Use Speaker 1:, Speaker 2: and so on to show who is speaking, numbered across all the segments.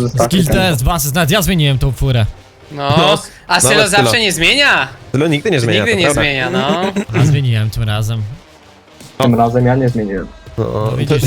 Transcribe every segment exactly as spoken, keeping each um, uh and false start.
Speaker 1: Skill test, was, nawet ja zmieniłem tą furę.
Speaker 2: No,
Speaker 3: No,
Speaker 2: a Sylo
Speaker 3: nawet
Speaker 2: zawsze
Speaker 3: Sylo.
Speaker 2: nie zmienia.
Speaker 3: Sylo nigdy nie zmienia,
Speaker 2: Nigdy
Speaker 3: to
Speaker 2: nie
Speaker 3: prawda.
Speaker 2: zmienia, no.
Speaker 1: A zmieniłem tym razem.
Speaker 4: Tym razem ja nie zmieniłem.
Speaker 3: No,
Speaker 1: No widzisz.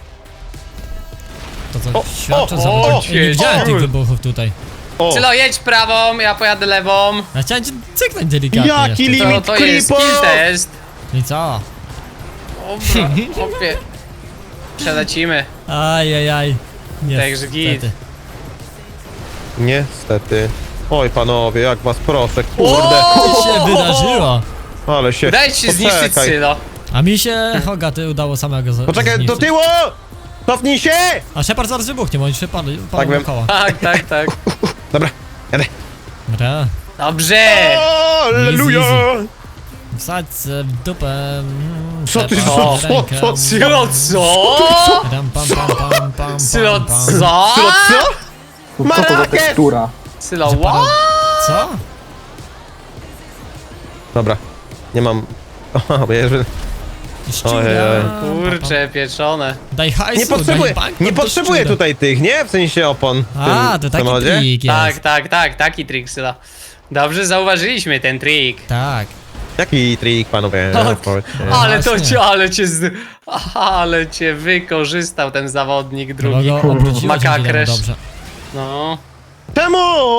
Speaker 1: To co
Speaker 3: O,
Speaker 1: świadczy
Speaker 3: o,
Speaker 1: za
Speaker 3: o,
Speaker 1: Ej, nie widziałem
Speaker 3: o.
Speaker 1: tych wybuchów tutaj.
Speaker 3: O,
Speaker 2: Sylo, jedź prawą, ja pojadę lewą.
Speaker 1: Ja chciałem cię cyknąć delikatnie
Speaker 3: Jaki
Speaker 1: jeszcze.
Speaker 3: li-
Speaker 2: To,
Speaker 3: Limit
Speaker 2: to jest
Speaker 3: creepo.
Speaker 2: skill test.
Speaker 1: I co?
Speaker 2: Dobra, opie. Przelecimy.
Speaker 1: Ajajaj.
Speaker 2: Także git.
Speaker 1: Niestety.
Speaker 3: niestety. Oj panowie, jak was proszę, kurde.
Speaker 1: Co się wydarzyło?
Speaker 3: Ale się...
Speaker 2: Dajcie się zniszczyć
Speaker 3: Poczekaj.
Speaker 2: Sylo.
Speaker 1: A mi się Hogaty udało samego z-
Speaker 3: Poczekaj, do
Speaker 1: zniszczyć.
Speaker 3: tyłu! Cofnij się!
Speaker 1: A Shepard zaraz wybuchnie, bo oni się padli,
Speaker 3: Tak
Speaker 1: padł
Speaker 3: wiem.
Speaker 1: koła.
Speaker 2: Tak, tak, tak.
Speaker 3: Dobra, jadę.
Speaker 1: Dobra.
Speaker 2: Dobrze.
Speaker 3: O, Alleluja!
Speaker 1: Easy, Wsadź se w dupę. mm,
Speaker 3: Co ty,
Speaker 1: Shepard
Speaker 3: co,
Speaker 1: w
Speaker 3: co,
Speaker 1: rękę.
Speaker 3: co,
Speaker 2: Sylo, co?
Speaker 1: Ram, pam, pam, pam, pam,
Speaker 2: Sylo,
Speaker 1: pam, pam.
Speaker 2: co?
Speaker 3: Sylo, co?
Speaker 4: No co to za
Speaker 3: Marakiet!
Speaker 4: tekstura?
Speaker 2: Sylo,
Speaker 1: Że para-
Speaker 2: what?
Speaker 1: Co?
Speaker 3: Dobra, nie mam... O, bierze.
Speaker 1: Szczura.
Speaker 3: Ojej.
Speaker 2: Kurcze, pieczone.
Speaker 1: Daj hajsu,
Speaker 3: Nie potrzebuję,
Speaker 1: daj bank,
Speaker 3: nie
Speaker 1: to
Speaker 3: potrzebuję
Speaker 1: szczura.
Speaker 3: tutaj tych, nie? W sensie opon w
Speaker 1: A,
Speaker 3: tym
Speaker 1: to taki
Speaker 3: samochodzie.
Speaker 1: trik jest.
Speaker 2: Tak, tak, tak, taki trik, Sylo. Dobrze zauważyliśmy ten trik.
Speaker 1: Tak.
Speaker 3: Jaki trik, panowie?
Speaker 2: Tak.
Speaker 3: Powiedzcie.
Speaker 2: Ale to
Speaker 1: właśnie.
Speaker 2: cię, ale cię z... Ale cię wykorzystał ten zawodnik drugi.
Speaker 1: Drugi. Obróciłeś
Speaker 2: Makakresz.
Speaker 1: dobrze.
Speaker 2: No.
Speaker 3: Czemu?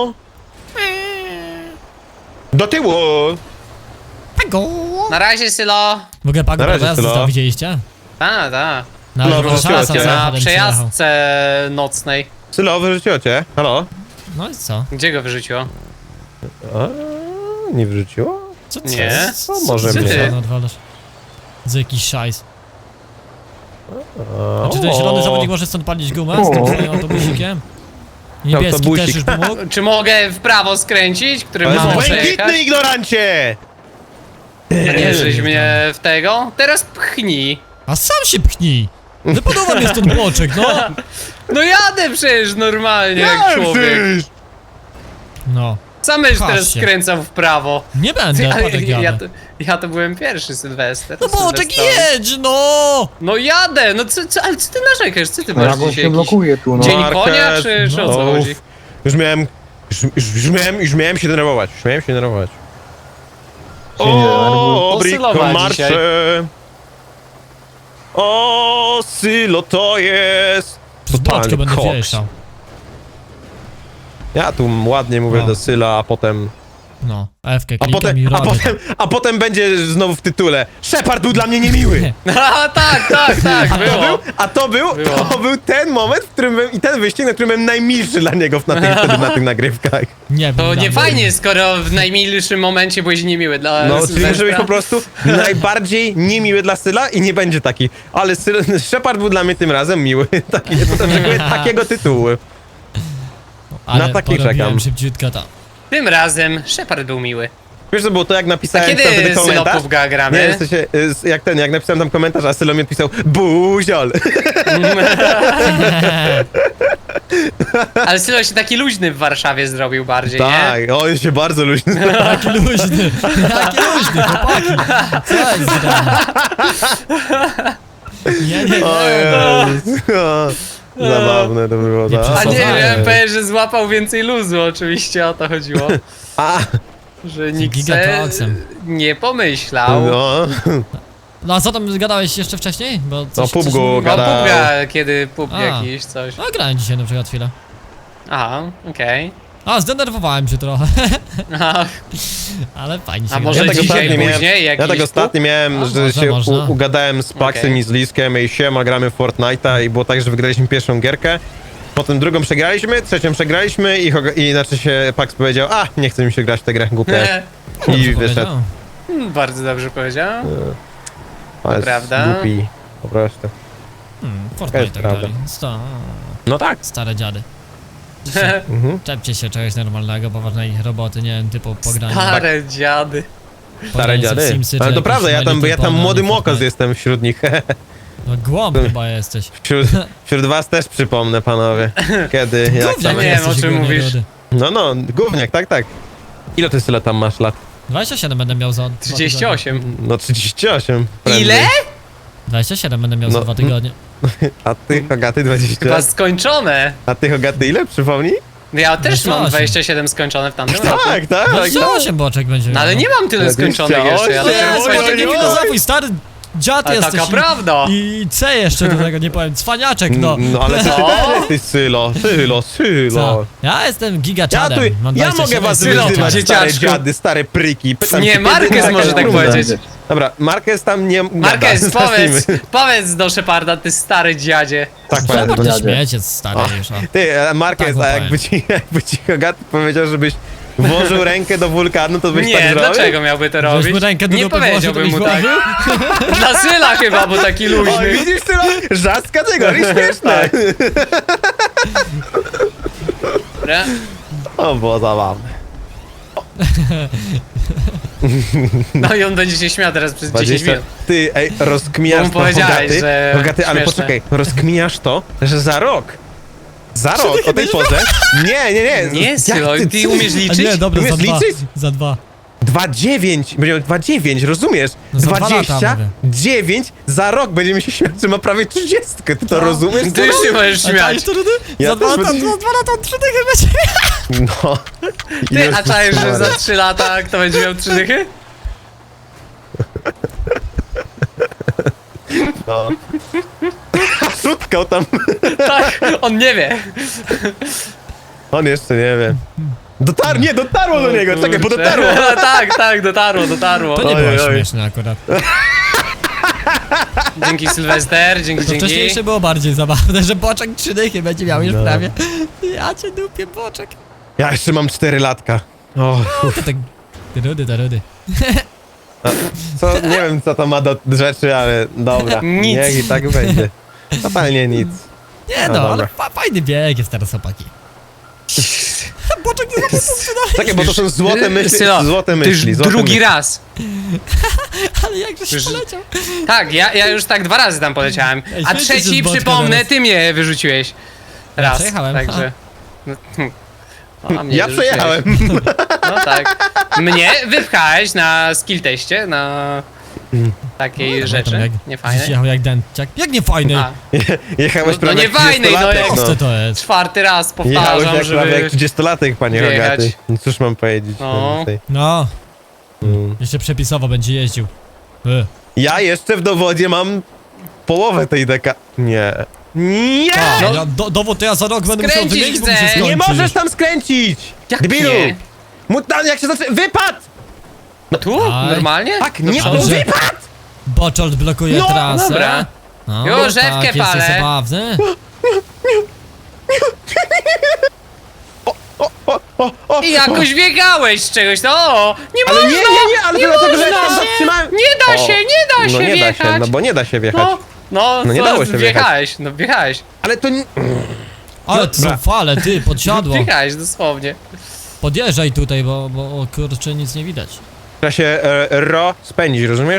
Speaker 3: Do tyłu!
Speaker 1: Pago!
Speaker 2: Na razie, Sylo.
Speaker 1: W ogóle Pago
Speaker 3: Na razie,
Speaker 1: prawa jazdy
Speaker 3: Sylo.
Speaker 1: to widzieliście?
Speaker 2: Ta, ta.
Speaker 1: Na
Speaker 3: No,
Speaker 1: no,
Speaker 3: wróciło
Speaker 1: szansa
Speaker 3: cię.
Speaker 1: za
Speaker 2: Na
Speaker 1: samochodem przejechał.
Speaker 2: przejażdżce nocnej.
Speaker 3: Sylo, wyrzuciło cię. Halo?
Speaker 1: No i co?
Speaker 2: Gdzie go wyrzuciło?
Speaker 3: A, nie wyrzuciło?
Speaker 1: Co co?
Speaker 2: Nie.
Speaker 1: Co,
Speaker 3: No,
Speaker 1: co,
Speaker 3: może
Speaker 1: co,
Speaker 2: mnie.
Speaker 1: ty no, odwalasz? Za jakiś szajs.
Speaker 3: A,
Speaker 1: A czy ten zielony zawodnik może stąd palić gumę z tym swoim autobusikiem? Niebieski
Speaker 3: Autobusik.
Speaker 1: też już pomógł?
Speaker 2: Czy mogę w prawo skręcić, którym
Speaker 3: Ale
Speaker 2: mam
Speaker 3: błękitny
Speaker 2: przejechać?
Speaker 3: ignorancie!
Speaker 2: A nie, żeś mnie w tego? Teraz pchnij.
Speaker 1: A sam się pchnij! Wypadowa mnie stąd boczek, no!
Speaker 2: No jadę przecież normalnie jak człowiek.
Speaker 1: No.
Speaker 2: Sam będziesz
Speaker 1: Patrz
Speaker 2: teraz
Speaker 1: się.
Speaker 2: skręcał w prawo.
Speaker 1: Nie będę,
Speaker 2: Ty, ale
Speaker 1: patek
Speaker 2: ja,
Speaker 1: jadę.
Speaker 2: to, ja to byłem pierwszy Sylwester.
Speaker 1: No boczek
Speaker 2: Sylwestrowy.
Speaker 1: jedź, no!
Speaker 2: No jadę, no co, co, ale co ty narzekasz? Co ty
Speaker 4: No
Speaker 2: masz
Speaker 4: jak on
Speaker 2: dzisiaj
Speaker 4: się
Speaker 2: jakiś
Speaker 4: blokuje tu, no.
Speaker 2: dzień
Speaker 3: Market,
Speaker 2: konia, czy, czy o co
Speaker 3: no.
Speaker 2: chodzi?
Speaker 3: Już miałem... Już, już, już, miałem, już miałem się denerwować, już miałem się denerwować.
Speaker 4: Się nie denerwuj.
Speaker 3: O,
Speaker 2: Sylo
Speaker 3: Briko
Speaker 2: ma
Speaker 3: marsze! O, Sylo to jest!
Speaker 1: Z boczku
Speaker 3: Totalny
Speaker 1: będę
Speaker 3: koks.
Speaker 1: wieszał.
Speaker 3: Ja tu ładnie mówię
Speaker 1: No.
Speaker 3: do Syla, a potem...
Speaker 1: No, F-kę
Speaker 3: A
Speaker 1: klikam
Speaker 3: potem,
Speaker 1: i
Speaker 3: a
Speaker 1: robię.
Speaker 3: potem, a potem będzie znowu w tytule Shepard był dla mnie niemiły!
Speaker 2: A tak, tak, tak,
Speaker 3: A to
Speaker 2: było.
Speaker 3: był, a to był,
Speaker 2: Było.
Speaker 3: to był ten moment, w którym byłem, i ten wyścig, na którym byłem najmilszy dla niego na tych, wtedy na tych nagrywkach.
Speaker 1: Nie,
Speaker 2: To
Speaker 1: wiem,
Speaker 2: nie
Speaker 1: dla mnie.
Speaker 2: fajnie, skoro w najmilszym momencie byłeś niemiły dla
Speaker 3: No, czyli
Speaker 2: Sylwestra.
Speaker 3: muszę być po prostu najbardziej niemiły dla Syla i nie będzie taki. Ale Syl, Shepard był dla mnie tym razem miły. Taki, oczekuję takiego tytułu.
Speaker 1: Ale
Speaker 3: na taki
Speaker 1: porobiłem
Speaker 3: czekam.
Speaker 1: szybciutko to.
Speaker 2: Tym razem Shepard był miły.
Speaker 3: Wiesz co było to, jak
Speaker 2: A
Speaker 3: napisałem
Speaker 2: kiedy
Speaker 3: tam wtedy komentarz?
Speaker 2: Sylopów ga gramy?
Speaker 3: Nie, w sensie, y, jak ten, jak napisałem tam komentarz, a Sylo mi odpisał buziol.
Speaker 2: Ale Sylo się taki luźny w Warszawie zrobił bardziej, nie?
Speaker 3: Tak, on się bardzo luźny.
Speaker 1: Taki luźny, taki luźny, chłopaki. Co jest grane? Nie, nie,
Speaker 3: O
Speaker 1: nie.
Speaker 3: Jezus. O, zabawne to było,
Speaker 1: Nie
Speaker 3: tak?
Speaker 2: A nie,
Speaker 1: Poznaję.
Speaker 2: miałem powiedzieć, że złapał więcej luzu, oczywiście o to chodziło.
Speaker 3: A,
Speaker 2: Że nikt se
Speaker 1: gigakoksem.
Speaker 2: nie pomyślał.
Speaker 3: no.
Speaker 1: No a co tam gadałeś jeszcze wcześniej? Bo coś,
Speaker 3: No,
Speaker 1: coś
Speaker 3: PUBG-u
Speaker 1: mi-
Speaker 2: No
Speaker 3: gadał.
Speaker 2: pubga, kiedy pub
Speaker 1: A.
Speaker 2: jakiś, coś.
Speaker 1: No grałem dzisiaj na przykład chwilę.
Speaker 2: Aha, okej.
Speaker 1: A, zdenerwowałem się trochę,
Speaker 2: Okay.
Speaker 1: ale fajnie się
Speaker 2: A
Speaker 1: gra.
Speaker 2: może
Speaker 3: Ja tak
Speaker 2: dzisiaj
Speaker 3: ostatnio miałem-
Speaker 2: później
Speaker 3: Ja
Speaker 2: jakiś
Speaker 3: tak ostatnio miałem,
Speaker 1: A,
Speaker 3: że
Speaker 1: może,
Speaker 3: się
Speaker 1: można.
Speaker 3: u, ugadałem z Paxem
Speaker 2: Okej.
Speaker 3: i z Liskiem i siema, gramy w Fortnite'a i było tak, że wygraliśmy pierwszą gierkę, potem drugą przegraliśmy, trzecią przegraliśmy i, Hoga- i znaczy się Pax powiedział, a nie chce mi się grać w tę grę, głupie. I
Speaker 1: Dobrze
Speaker 3: wyszedł.
Speaker 1: powiedział.
Speaker 2: Hmm, Bardzo dobrze powiedział.
Speaker 3: To jest
Speaker 2: prawda.
Speaker 3: głupi, po prostu.
Speaker 1: Hmm,
Speaker 3: jest
Speaker 1: Fortnite tak
Speaker 3: prawda.
Speaker 1: dalej. Sto,
Speaker 3: No tak.
Speaker 1: stare dziady.
Speaker 3: Mhm.
Speaker 1: Czepcie się czegoś normalnego, poważnej roboty, nie wiem, typu pogranie.
Speaker 2: Stare dziady.
Speaker 3: Stare
Speaker 1: pogranie sobie w
Speaker 3: dziady.
Speaker 1: Simsy,
Speaker 3: Ale
Speaker 1: czy
Speaker 3: to
Speaker 1: jakieś
Speaker 3: prawda, ja
Speaker 1: My
Speaker 3: tam,
Speaker 1: Little
Speaker 3: ja tam
Speaker 1: Pony,
Speaker 3: młody
Speaker 1: nie
Speaker 3: mokos
Speaker 1: Fortnite.
Speaker 3: jestem wśród nich.
Speaker 1: No głąb chyba jesteś.
Speaker 3: Wśród, wśród was też przypomnę, panowie. Kiedy, jak
Speaker 1: Gówniak
Speaker 3: tam...
Speaker 2: nie wiem,
Speaker 1: jesteś,
Speaker 2: o czym
Speaker 1: gówniak
Speaker 2: mówisz.
Speaker 1: rudy.
Speaker 3: No, no, gówniak, tak, tak. Ile ty Sylo tam masz lat?
Speaker 1: dwadzieścia siedem będę miał za dwa
Speaker 2: trzydzieści osiem.
Speaker 3: No trzydzieści osiem. prędzej.
Speaker 2: Ile?
Speaker 1: dwadzieścia siedem będę miał
Speaker 3: No,
Speaker 1: za dwa tygodnie.
Speaker 3: A ty, Hogaty, dwadzieścia?
Speaker 2: Chyba skończone.
Speaker 3: A ty, Hogaty, ile? Przypomnij?
Speaker 2: Ja też
Speaker 1: dwadzieścia osiem.
Speaker 2: mam dwadzieścia siedem skończone w tamtym roku.
Speaker 3: Tak, tak.
Speaker 1: dwadzieścia osiem boczek będzie
Speaker 2: No
Speaker 1: miał.
Speaker 2: ale nie mam tyle skończonych jeszcze, ja
Speaker 1: No
Speaker 3: dwadzieścia
Speaker 2: dopiero
Speaker 3: osiem.
Speaker 1: jest,
Speaker 3: Oj,
Speaker 1: boczek, nie
Speaker 3: oj, oj.
Speaker 1: filozofuj, stary dziad
Speaker 2: Ale
Speaker 1: jesteś.
Speaker 2: taka
Speaker 1: i-
Speaker 2: prawda.
Speaker 1: I C jeszcze do tego, nie powiem, cwaniaczek, no.
Speaker 3: No ale to ty
Speaker 2: Co?
Speaker 3: też jesteś Sylo, Sylo, Sylo.
Speaker 1: Co? Ja jestem
Speaker 3: Ja,
Speaker 1: gigaczadem.
Speaker 3: tu,
Speaker 1: mam
Speaker 3: ja
Speaker 1: dwadzieścia
Speaker 3: mogę
Speaker 1: siedem
Speaker 3: was
Speaker 2: Sylo,
Speaker 3: wyzywać, stare
Speaker 2: dzieciaczku.
Speaker 3: dziady, stare pryki. Pytam
Speaker 2: Nie,
Speaker 3: się,
Speaker 2: Marquez
Speaker 3: kiedy
Speaker 2: może tak
Speaker 3: trudne.
Speaker 2: powiedzieć.
Speaker 3: Dobra, Marquez tam nie...
Speaker 2: Marquez,
Speaker 3: Dobra,
Speaker 2: powiedz,
Speaker 3: zacznijmy.
Speaker 2: powiedz do Sheparda, ty stary dziadzie.
Speaker 3: Tak,
Speaker 1: Shepard
Speaker 3: powiem.
Speaker 1: to
Speaker 4: dziadzie.
Speaker 1: śmieciec stary już, a.
Speaker 3: Ty, e, Marquez,
Speaker 1: Tak,
Speaker 3: a
Speaker 1: bo
Speaker 3: jakby ci, jakby ci Hogaty powiedział, żebyś włożył rękę do wulkanu, to byś tak
Speaker 2: Nie,
Speaker 3: zrobił?
Speaker 2: dlaczego miałby to
Speaker 1: Żeś
Speaker 2: robić?
Speaker 1: mu rękę do
Speaker 2: Nie
Speaker 1: dupy włożył, to
Speaker 2: powiedziałbym
Speaker 1: byś
Speaker 2: mu tak.
Speaker 1: włożył?
Speaker 2: Dla Syla chyba, bo taki
Speaker 3: Oj,
Speaker 2: luźny.
Speaker 3: widzisz, Sylo? Żart z kategorii, śmieszne.
Speaker 2: Dobra.
Speaker 3: O, było zabawne.
Speaker 2: No i on będzie się śmiał teraz przez dziesięć
Speaker 3: dwadzieścia...
Speaker 2: minut.
Speaker 3: Ty, ej,
Speaker 2: Bo
Speaker 3: rozkminiasz
Speaker 2: mu
Speaker 3: to,
Speaker 2: powiedziałeś,
Speaker 3: Hogaty,
Speaker 2: że
Speaker 3: Hogaty, ale
Speaker 2: śmieszne.
Speaker 3: poczekaj, rozkminiasz to, że za rok, za rok o tej porze, nie, nie, nie.
Speaker 2: Nie,
Speaker 3: jak
Speaker 2: Sylo, ty umiesz
Speaker 1: A
Speaker 2: liczyć?
Speaker 1: nie, dobra, za
Speaker 3: Umiesz
Speaker 1: dwa.
Speaker 3: liczyć?
Speaker 1: Za dwa.
Speaker 3: dwa dziewięć, będzie miał dwa dziewięć, rozumiesz?
Speaker 1: No za dwa lata
Speaker 3: dwadzieścia
Speaker 1: mówię.
Speaker 3: dziewięć, za rok będziemy się śmiać, że ma prawie trzydziestkę, ty to rozumiesz?
Speaker 2: Ty już się możesz
Speaker 1: A
Speaker 2: śmiać.
Speaker 1: czaisz to, Rudy?
Speaker 3: Ja
Speaker 1: Za dwa
Speaker 3: też
Speaker 1: lata,
Speaker 3: będę-
Speaker 1: za dwa lata on trzy dychy będzie.
Speaker 3: No.
Speaker 2: Ty,
Speaker 3: Jezus
Speaker 2: a czajesz, że
Speaker 3: Maria.
Speaker 2: za trzy lata kto będzie miał trzy dychy?
Speaker 3: No. Szutkał tam,
Speaker 2: Tak, on nie wie.
Speaker 3: on jeszcze nie wie. Dotarło, nie, dotarło do niego, czekaj, bo
Speaker 2: Kurczę.
Speaker 3: dotarło.
Speaker 2: Tak, tak, dotarło, dotarło.
Speaker 1: To nie
Speaker 3: Oj,
Speaker 1: było
Speaker 3: oj.
Speaker 1: śmieszne akurat.
Speaker 2: Dzięki Sylwester, dzięki,
Speaker 1: To
Speaker 2: dzięki.
Speaker 1: wcześniejsze było bardziej zabawne, że boczek trzy dychy będzie miał już
Speaker 3: No.
Speaker 1: prawie. Ja cię dupię, boczek.
Speaker 3: Ja jeszcze mam cztery latka. O,
Speaker 1: To tak... Ty Rudy, to Rudy.
Speaker 3: co, nie wiem co to ma do rzeczy, ale dobra.
Speaker 2: Nic.
Speaker 3: Niech i tak będzie. Totalnie nic.
Speaker 1: Nie
Speaker 3: No
Speaker 1: no, ale
Speaker 3: dobra.
Speaker 1: fa fajny bieg jest teraz, opaki. Boczek nie zapomniał dalej.
Speaker 3: Czekaj, bo to są złote myśli,
Speaker 2: Sylo,
Speaker 3: złote
Speaker 2: ty
Speaker 3: myśli.
Speaker 2: już
Speaker 3: Złote
Speaker 2: drugi
Speaker 3: myśli.
Speaker 2: raz.
Speaker 1: Ale jakżeś
Speaker 2: Przecież-
Speaker 1: poleciał.
Speaker 2: Tak, ja, ja już tak dwa razy tam poleciałem.
Speaker 1: Ej,
Speaker 2: A
Speaker 1: świetnie się
Speaker 2: trzeci,
Speaker 1: z boczka
Speaker 2: przypomnę,
Speaker 1: teraz.
Speaker 2: ty mnie wyrzuciłeś.
Speaker 1: Ja
Speaker 2: Raz,
Speaker 1: przejechałem,
Speaker 2: także... No, a mnie
Speaker 3: Ja
Speaker 2: wyrzuciłeś.
Speaker 3: przejechałem.
Speaker 2: No tak. Mnie wypchałeś na skill teście, na takiej
Speaker 1: No,
Speaker 2: rzeczy.
Speaker 1: tam jak-
Speaker 2: Nie fajne.
Speaker 1: Jechał jak dęciak. Jak nie fajny?
Speaker 2: A,
Speaker 3: Jechałeś
Speaker 2: No- no
Speaker 3: prawie
Speaker 2: nie
Speaker 3: jak
Speaker 2: fajnej, no
Speaker 3: trzydziestolatek,
Speaker 2: jak-
Speaker 1: Co to jest?
Speaker 2: czwarty raz
Speaker 3: Jechałeś
Speaker 2: powtarzam,
Speaker 3: jak prawie jak
Speaker 2: żeby...
Speaker 3: trzydziestolatek, panie
Speaker 2: wjechać.
Speaker 3: Rogaty. No cóż mam powiedzieć.
Speaker 2: No.
Speaker 3: więcej.
Speaker 1: No,
Speaker 3: Mm.
Speaker 1: jeszcze przepisowo będzie jeździł. E.
Speaker 3: Ja jeszcze w dowodzie mam połowę tej deka... Nie. Nie!
Speaker 1: A,
Speaker 2: No.
Speaker 1: ja, do, dowód to ja za rok będę musiał
Speaker 2: Skręcić
Speaker 1: wymienić, bo mi się
Speaker 2: chcę.
Speaker 1: skończy
Speaker 3: Nie możesz
Speaker 1: już.
Speaker 3: tam skręcić!
Speaker 2: Jak
Speaker 3: Debilu!
Speaker 2: nie?
Speaker 3: Mutant, jak się zacznie... Wypad!
Speaker 2: No tu?
Speaker 1: Aj.
Speaker 2: Normalnie?
Speaker 3: Tak,
Speaker 2: Do
Speaker 3: nie,
Speaker 2: przodu?
Speaker 3: to
Speaker 1: Dobrze.
Speaker 3: wypad!
Speaker 1: Boczolt blokuje
Speaker 3: No,
Speaker 1: trasę.
Speaker 2: dobra.
Speaker 1: No,
Speaker 2: Już,
Speaker 1: tak,
Speaker 2: rzepkę
Speaker 1: jesteś
Speaker 2: palę.
Speaker 1: zabawny.
Speaker 3: O, o, o,
Speaker 2: I jakoś biegałeś z czegoś, no o, nie
Speaker 3: Ale
Speaker 2: można!
Speaker 3: nie, nie, nie, ale
Speaker 2: nie
Speaker 3: dlatego, że ja
Speaker 2: można!
Speaker 3: tam zatrzymałem...
Speaker 2: Nie da
Speaker 3: O,
Speaker 2: się, nie da się
Speaker 3: No nie da
Speaker 2: wjechać!
Speaker 3: się, no bo nie da się wjechać.
Speaker 2: No, no,
Speaker 3: No nie
Speaker 2: co,
Speaker 3: dało się wjechać.
Speaker 2: wjechałeś, no wjechałeś.
Speaker 3: Ale to nie...
Speaker 1: Ale to są
Speaker 3: Dobra.
Speaker 1: fale, ty, podsiadło.
Speaker 2: Wjechałeś dosłownie.
Speaker 1: Podjeżdżaj tutaj, bo, bo o, kurczę, nic nie widać.
Speaker 3: Trzeba się e, ro spędzić, rozumiesz?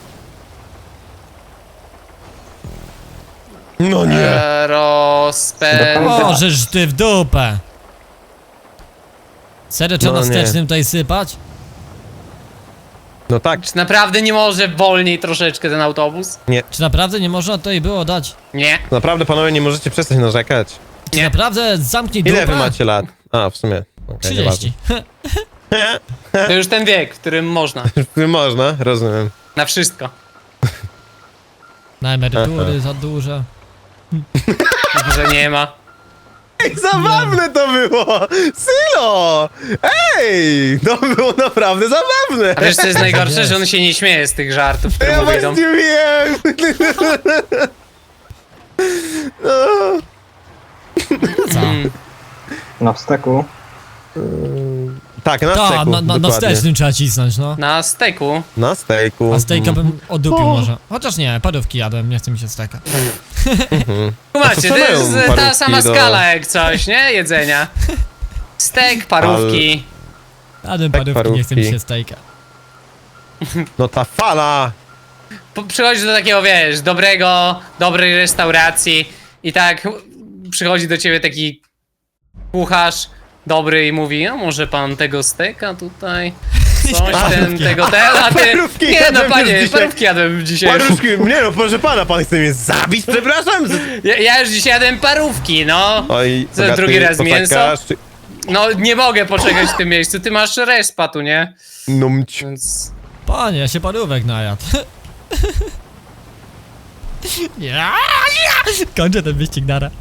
Speaker 3: No nie.
Speaker 2: E, Rozpęd...
Speaker 1: O, żeż ty w dupę. Serio, trzeba
Speaker 3: No
Speaker 1: na
Speaker 3: nie.
Speaker 1: wstecznym tutaj sypać?
Speaker 3: No tak,
Speaker 2: Czy naprawdę nie może wolniej troszeczkę ten autobus?
Speaker 1: Czy naprawdę nie można tutaj było dać?
Speaker 2: Nie.
Speaker 3: naprawdę panowie nie możecie przestać narzekać.
Speaker 1: Czy
Speaker 2: Nie.
Speaker 1: naprawdę zamknij dupę?
Speaker 3: Ile wy macie lat? A, w sumie. Okay,
Speaker 1: trzydzieści.
Speaker 2: To już ten wiek, w którym można.
Speaker 3: Można, rozumiem.
Speaker 2: Na wszystko.
Speaker 1: Na emerytury za duże.
Speaker 2: Że nie ma.
Speaker 3: Ej, zabawne to było! Sylo! Ej! To było naprawdę zabawne!
Speaker 2: A wiesz co jest najgorsze,
Speaker 1: Jest.
Speaker 2: że on się nie śmieje z tych żartów, które
Speaker 3: Ja
Speaker 2: mu wyjdą.
Speaker 3: właśnie wiem! No.
Speaker 1: Co?
Speaker 2: Mm.
Speaker 4: Na wsteku.
Speaker 3: Tak, na
Speaker 1: Ta,
Speaker 3: steku,
Speaker 1: na, na, na
Speaker 3: dokładnie.
Speaker 1: wstecznym trzeba cisnąć, no.
Speaker 2: Na steku.
Speaker 3: Na stejku.
Speaker 1: A stejka bym odupił
Speaker 3: O.
Speaker 1: może. Chociaż nie, parówki jadłem, nie chce mi się steka.
Speaker 2: Kumacie,
Speaker 3: co
Speaker 2: to
Speaker 3: mają
Speaker 2: jest ta
Speaker 3: parówki
Speaker 2: sama
Speaker 3: do-
Speaker 2: skala jak coś, nie? Jedzenia. Stek, parówki.
Speaker 1: Jadłem
Speaker 3: Tak,
Speaker 1: parówki, nie chce mi
Speaker 3: parówki.
Speaker 1: się stejka.
Speaker 3: No ta fala!
Speaker 2: Po- Przychodzi do takiego, wiesz, dobrego, dobrej restauracji i tak przychodzi do ciebie taki kucharz dobry i mówi, no może pan tego steka tutaj Coś
Speaker 3: A,
Speaker 2: ten,
Speaker 3: parówki.
Speaker 2: tego, ten, a ty...
Speaker 3: Parówki
Speaker 2: Nie no,
Speaker 3: jadłem już
Speaker 2: panie,
Speaker 3: dzisiaj.
Speaker 2: parówki jadłem dzisiaj.
Speaker 3: Paruszki, nie no, proszę pana, pan chce mnie zabić, przepraszam?
Speaker 2: Ja, ja już dzisiaj jadłem parówki, no.
Speaker 3: Oj,
Speaker 2: Co,
Speaker 3: bogaty,
Speaker 2: drugi raz
Speaker 3: poczekasz,
Speaker 2: mięso?
Speaker 3: Czy...
Speaker 2: No, nie mogę poczekać w tym miejscu, ty masz respa tu, nie?
Speaker 3: Numć.
Speaker 2: Więc...
Speaker 1: Panie, ja się parówek najadł. Ja, ja. Kończę ten wyścig, nara.